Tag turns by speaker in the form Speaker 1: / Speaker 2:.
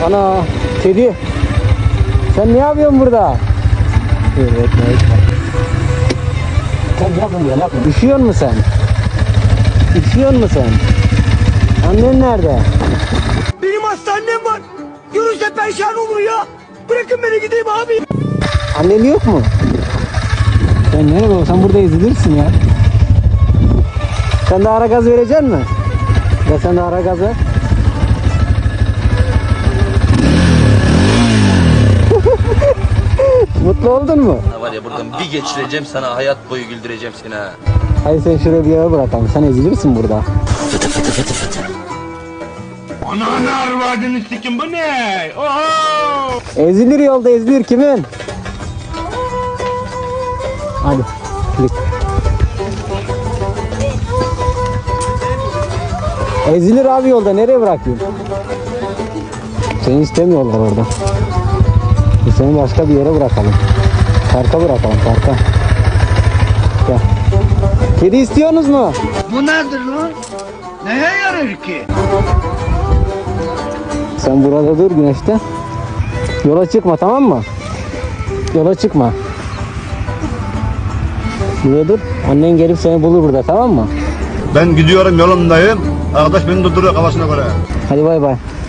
Speaker 1: Ana kedi. Sen ne yapıyorsun burada? Evet. Sen yapma. Üşüyor musun sen? Üşüyor musun sen? Annen nerede?
Speaker 2: Benim hastanem var. Görürse perişan olur ya. Bırakın beni gideyim abi.
Speaker 1: Annen yok mu? Sen nerede olsan burada ezilirsin ya. Sen de ara gaz verecek misin? Ya sen de ara gaz ver. Mutlu oldun mu?
Speaker 3: Var ya buradan bir geçireceğim sana, hayat boyu güldüreceğim seni ha.
Speaker 1: Hayır sen şuraya bir yere bırakalım. Sen ezilirsin burada.
Speaker 2: Ananı arvadını sikim bu ne? Oho!
Speaker 1: Ezilir yolda ezilir kimin? Hadi. Git. Ezilir abi yolda, nereye bırakayım? Seni istemiyorlar orada. Seni başka bir yere bırakalım. Parka bırakalım, parka. Gel. Kedi istiyorsunuz mu?
Speaker 2: Bu nedir lan? Neye yarar ki?
Speaker 1: Sen burada dur güneşte. Yola çıkma, tamam mı? Yola çıkma. Burada dur. Annen gelip seni bulur burada, tamam mı?
Speaker 4: Ben gidiyorum, yolumdayım. Arkadaş beni durduruyor kafasına göre.
Speaker 1: Hadi bay bay.